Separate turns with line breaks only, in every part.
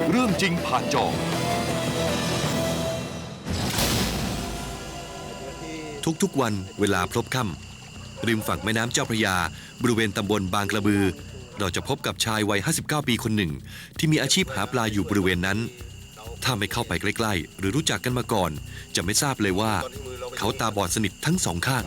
เรื่องจริงผ่านจอทุกๆวันเวลาพลบค่ำริมฝั่งแม่น้ำเจ้าพระยาบริเวณตำบลบางกระบือเราจะพบกับชายวัย59 ปีคนหนึ่งที่มีอาชีพหาปลาอยู่บริเวณนั้นถ้าไม่เข้าไปใกล้ๆหรือรู้จักกันมาก่อนจะไม่ทราบเลยว่าเขาตาบอดสนิททั้งสองข้าง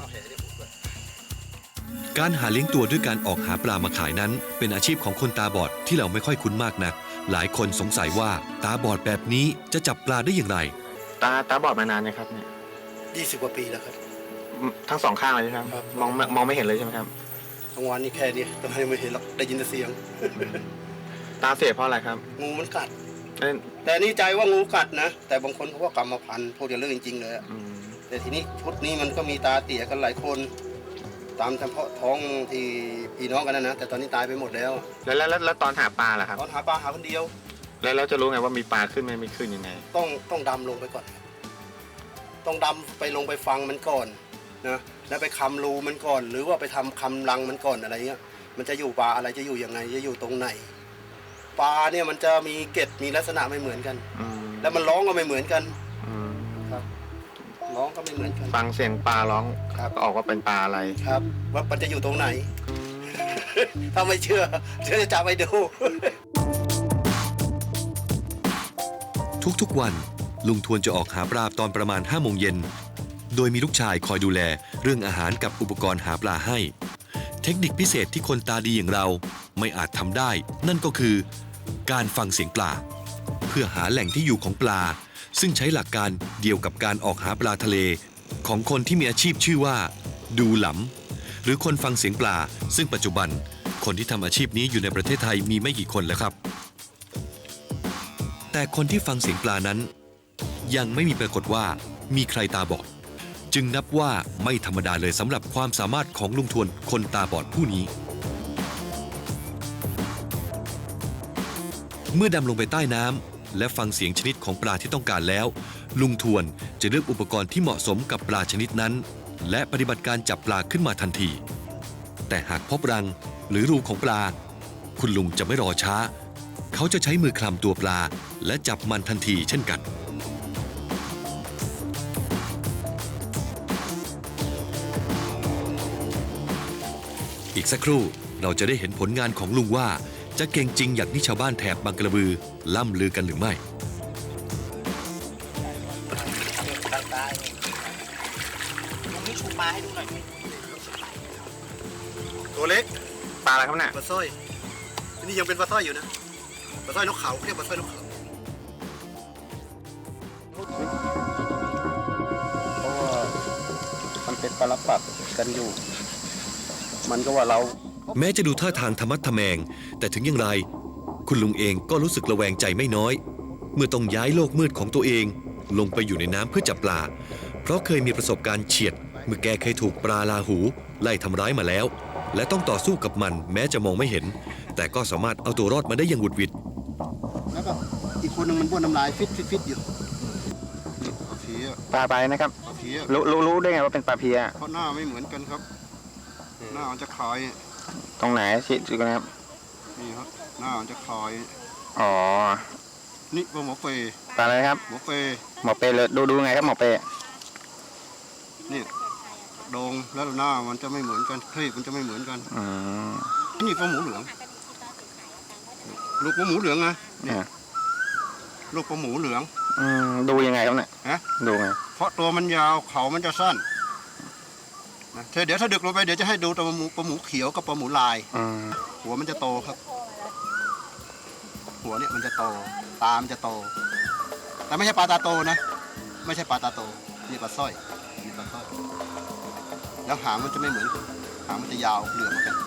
การหาเลี้ยงตัวด้วยการออกหาปลามาขายนั้นเป็นอาชีพของคนตาบอดที่เราไม่ค่อยคุ้นมากนักหลายคนสงสัยว่าตาบอดแบบนี้จะจับปลาได้อย่างไร
ตาบอดมานานนะครับเนี่ย
20 กว่าปีแล้วครับ
ทั้งสองข้างเลยใช่ไหมครับมองไม่เห็นเลยใช่ไหมครับ
กลางวันนี่แค่นี้ตอนนี้ไม่เห็นหรอกได้ยินแต่เสียง
ตาเสียเพราะอะไรครับ
งูมันกัดแต่นี่ใจว่างูกัดนะแต่บางคนเขาว่ากรรมพันธุ์พูดอย่างเรื่องจริงๆเลยแต่ทีนี้ชุดนี้มันก็มีตาเตี่ยกันหลายคนตามเฉพาะท้องที่พี่น้องกันนะแต่ตอนนี้ตายไปหมดแล้ว
แล้วตอนหาปลาล่ะครับ
ตอนหาปลาหาคนเดียว
แล้วจะรู้ไงว่ามีปลาขึ้นไหมไม่ขึ้นยังไง
ต้องดำลงไปก่อนต้องดำไปลงไปฟังมันก่อนนะแล้วไปคำรูมันก่อนหรือว่าไปทำคำรังมันก่อนอะไรเงี้ยมันจะอยู่ปลาอะไรจะอยู่ยังไงจะอยู่ตรงไหนปลาเนี่ยมันจะมีเกล็ดมีลักษณะไม่เหมือนกันแล้วมันร้องก็ไม่เหมือนกันครับร้องก็ไม่เหมือนกัน
ฟังเสียงปลาร้องก็ออกว่าเป็นปลาอะไร
ครับว่ามันจะอยู่ตรงไหน ถ้าไม่เชื่อจะจับไปดู
ทุกๆวันลุงทวนจะออกหาปลาตอนประมาณ5 โมงเย็นโดยมีลูกชายคอยดูแลเรื่องอาหารกับอุปกรณ์หาปลาให้เทคนิคพิเศษที่คนตาดีอย่างเราไม่อาจทำได้นั่นก็คือการฟังเสียงปลาเพื่อหาแหล่งที่อยู่ของปลาซึ่งใช้หลักการเดียวกับการออกหาปลาทะเลของคนที่มีอาชีพชื่อว่าดูหลำหรือคนฟังเสียงปลาซึ่งปัจจุบันคนที่ทำอาชีพนี้อยู่ในประเทศไทยมีไม่กี่คนแล้วครับแต่คนที่ฟังเสียงปลานั้นยังไม่มีปรากฏว่ามีใครตาบอดจึงนับว่าไม่ธรรมดาเลยสำหรับความสามารถของลุงทวนคนตาบอดผู้นี้เมื่อดำลงไปใต้น้ำและฟังเสียงชนิดของปลาที่ต้องการแล้วลุงทวนจะเลือกอุปกรณ์ที่เหมาะสมกับปลาชนิดนั้นและปฏิบัติการจับปลาขึ้นมาทันทีแต่หากพบรังหรือรูของปลาคุณลุงจะไม่รอช้าเขาจะใช้มือคลำตัวปลาและจับมันทันทีเช่นกันอีกสักครู่เราจะได้เห็นผลงานของลุงว่าจะเก่งจริงอย่างที่ชาวบ้านแถบบางกระบือล่ำลือกันหรือไม่
ตัวเล็ก
ปลาอะไรครับเนี่ย
ปลาสร้อยนี่ยังเป็นปลาสร้อยอยู่นะปลาสร้อยนกเขาเรียกปลาสร้อยนกเขาเพราะว่ามันเป็นปลาปักกันอยู่มันก็ว่าเรา
แม้จะดูท่าทางธรรมัดทะแมงแต่ถึงอย่างไรคุณลุงเองก็รู้สึกระแวงใจไม่น้อยเมื่อต้องย้ายโลกมืดของตัวเองลงไปอยู่ในน้ำเพื่อจับปลาเพราะเคยมีประสบการณ์เฉียดเมื่อแกเคยถูกปลาลาหูไล่ทำร้ายมาแล้วและต้องต่อสู้กับมันแม้จะมองไม่เห็นแต่ก็สามารถเอาตัวรอดมาได้อย่างหวุดหวิด
แล้วก็อีกคนหนึ่งมันบ้วนน้ำลายฟิตอยู่
ปลาไปนะครับรู้ได้ไงว่าเป็นปลาเพีย
เพราะหน้าไม่เหมือนกันครับหน้ามันจะคล้าย
ตรงไหนชี้กันครับ
นี่ครับหน้ามันจะคล้าย
อ๋อ
นี่ปลาหมอเป
ปลาอะไรครับ
หมอเป
เลยดูไงครับหมอเป
นี่โด่งแล้วหน้ามันจะไม่เหมือนกันคลีบมันจะไม่เหมือนกันนี่ปลาหมูเหลืองลูกปลาหมูเหลืองนะนี่ลูกปลาหมูเหลือง
ดูยังไงครับเนี่ยดูไง
เพราะตัวมันยาวเขามันจะสั้นเดี๋ยวถ้าดึกลงไปเดี๋ยวจะให้ดูตัวปลาหมูเขียวกับปลาหมูลายหัวมันจะโตครับหัวเนี่ยมันจะโตตามันจะโตแต่ไม่ใช่ปลาตาโตนะไม่ใช่ปลาตาโตนี่ปลาสร้อยนี่ปลาสร้อยแล้วหางมันจะไม่เหมือนหางมันจะยาวเหลือมกัน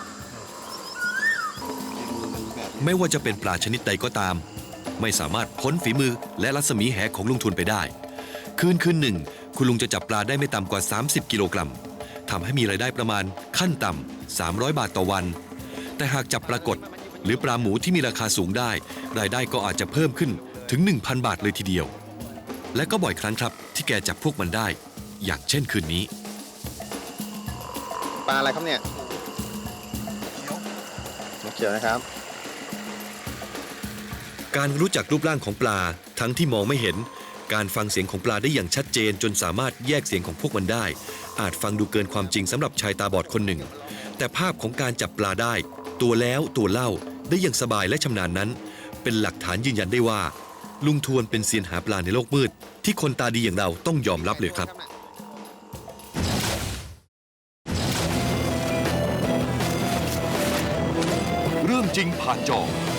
ไม่ว่าจะเป็นปลาชนิดใดก็ตามไม่สามารถพ้นฝีมือและรัศมีแหของลุงทุนไปได้คืนหนึ่งคุณลุงจะจับปลาได้ไม่ต่ำกว่า30 กิโลกรัมทำให้มีรายได้ประมาณขั้นต่ำ300 บาทต่อวันแต่หากจับปลากดหรือปลาหมูที่มีราคาสูงได้รายได้ก็อาจจะเพิ่มขึ้นถึง 1,000 บาทเลยทีเดียวและก็บ่อยครั้งครับที่แกจับพวกมันได้อย่างเช่นคืนนี้
ปลาอะไรครับเนี่ยเขียวนะครับ
การรู้จักรูปร่างของปลาทั้งที่มองไม่เห็น การฟังเสียงของปลาได้อย่างชัดเจนจนสามารถแยกเสียงของพวกมันได้ อาจฟังดูเกินความจริงสำหรับชายตาบอดคนหนึ่ง แต่ภาพของการจับปลาได้ ตัวแล้วตัวเล่าได้อย่างสบายและชำนาญนั้น เป็นหลักฐานยืนยันได้ว่า ลุงทวนเป็นเซียนหาปลาในโลกมืด ที่คนตาดีอย่างเราต้องยอมรับเลยครับ
เรื่องจริงผ่านจอ